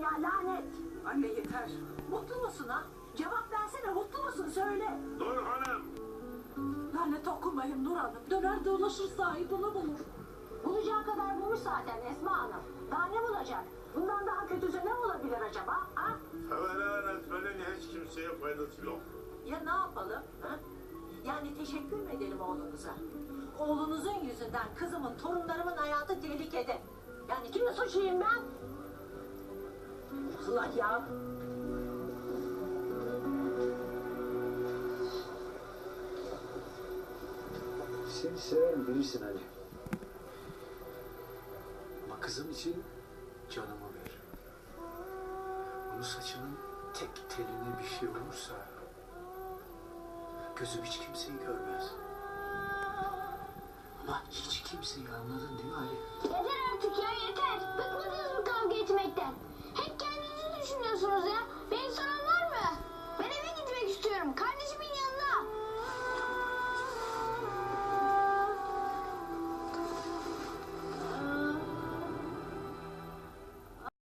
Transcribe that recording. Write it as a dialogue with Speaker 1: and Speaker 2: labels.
Speaker 1: ya, lanet.
Speaker 2: Anne yeter. Mutlu musun ha? Cevap versene, mutlu musun söyle.
Speaker 3: Nur Hanım.
Speaker 2: Lanet okumayın Nur Hanım. Döner dolaşır sahibini bulur.
Speaker 1: Bulacağı kadar bulmuş zaten Esma Hanım. Daha ne bulacak? Bundan daha kötüsü ne olabilir acaba? Ha?
Speaker 3: Feveran etmenin hiç kimseye faydası yok.
Speaker 2: Ya ne yapalım? Ha? Yani teşekkür mü edelim oğlunuza? Oğlunuzun yüzünden kızımın, torunlarımın hayatı tehlikede. Yani kimi suçlayayım ben? Allah ya.
Speaker 4: Seni severim bilirsin Ali. Ama kızım için canımı veririm. Onun saçının tek teline bir şey olursa gözüm hiç kimseyi görmez. Ama hiç kimseyi, anladın değil mi Ali?
Speaker 1: Yeter artık ya,